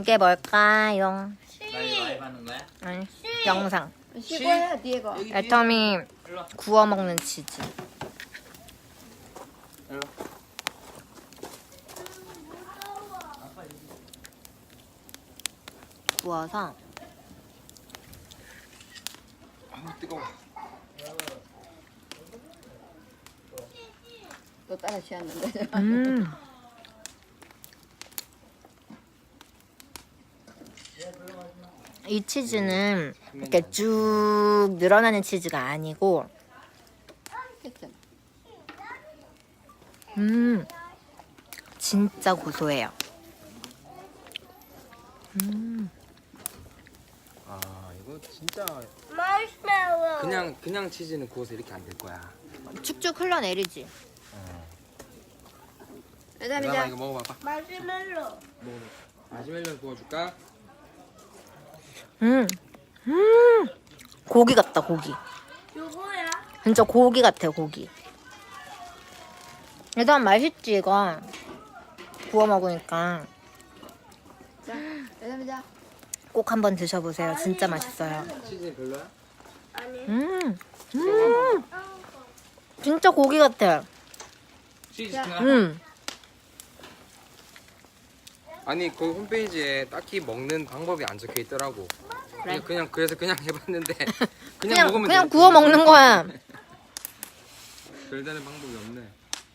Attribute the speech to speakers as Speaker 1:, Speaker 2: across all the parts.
Speaker 1: 이게 뭘까요?
Speaker 2: 나 이거 라이브 하는 거야?
Speaker 1: 아니, 영상.
Speaker 3: 씹어야 뒤에 거.
Speaker 1: 애터미
Speaker 2: 일로 와.
Speaker 1: 구워 먹는 치즈.
Speaker 2: 일로
Speaker 1: 구워서
Speaker 2: 아 뜨거워.
Speaker 3: 또 따라 취했는데.
Speaker 1: 이 치즈는 이렇게 쭉 늘어나는 치즈가 아니고 진짜 고소해요.
Speaker 4: 아 이거 진짜
Speaker 5: 마시멜로.
Speaker 4: 그냥 치즈는 구워서 이렇게 안 될 거야.
Speaker 1: 쭉쭉 흘러내리지.
Speaker 4: 나나
Speaker 3: 애담이자.
Speaker 4: 이거 먹어봐봐.
Speaker 5: 마시멜로.
Speaker 4: 먹어봐. 마시멜로 구워줄까?
Speaker 1: 고기 같다, 고기.
Speaker 5: 누구야?
Speaker 1: 진짜 고기 같아, 고기. 일단 맛있지, 이거. 구워 먹으니까
Speaker 3: 자, 애담이자.
Speaker 1: 꼭 한번 드셔보세요. 진짜 맛있어요.
Speaker 4: 치즈는 별로야?
Speaker 1: 음, 진짜 고기 같아.
Speaker 2: 치즈
Speaker 3: 자.
Speaker 2: 시키나?
Speaker 4: 아니 그 홈페이지에 딱히 먹는 방법이 안 적혀 있더라고. 그래서 그냥 해봤는데 그냥 먹으면
Speaker 1: 그냥
Speaker 4: 돼.
Speaker 1: 구워 먹는 거야.
Speaker 4: 별다른 방법이 없네.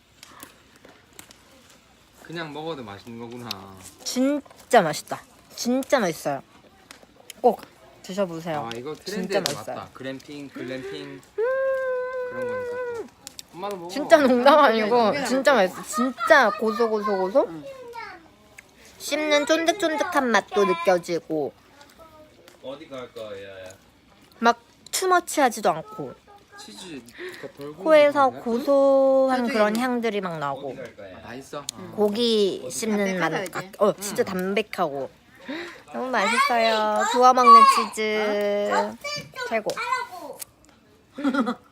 Speaker 4: 그냥 먹어도 맛있는 거구나.
Speaker 1: 진짜 맛있다. 진짜 맛있어요. 꼭 드셔보세요.
Speaker 4: 아 이거
Speaker 1: 진짜
Speaker 4: 트렌드에
Speaker 1: 맛있어요.
Speaker 4: 맞다. 글램핑 그런 거니까 또. 엄마도 먹어.
Speaker 1: 진짜 농담 아니고 진짜 맛있어. 진짜 고소. 씹는 쫀득쫀득한 맛도 느껴지고
Speaker 2: 어디 갈 거야?
Speaker 1: 막 투머치하지도 않고
Speaker 4: 치즈가 덜
Speaker 1: 코에서
Speaker 4: 구운 거
Speaker 1: 고소한
Speaker 3: 저쪽에
Speaker 1: 그런
Speaker 3: 있는-
Speaker 1: 향들이 막 나오고
Speaker 2: 어디 갈 거야?
Speaker 4: 다 있어.
Speaker 1: 고기 씹는 맛.
Speaker 3: 담백하다, 이제.
Speaker 1: 진짜 담백하고 너무 맛있어요. 구워 먹는 치즈 최고.
Speaker 5: 하라고.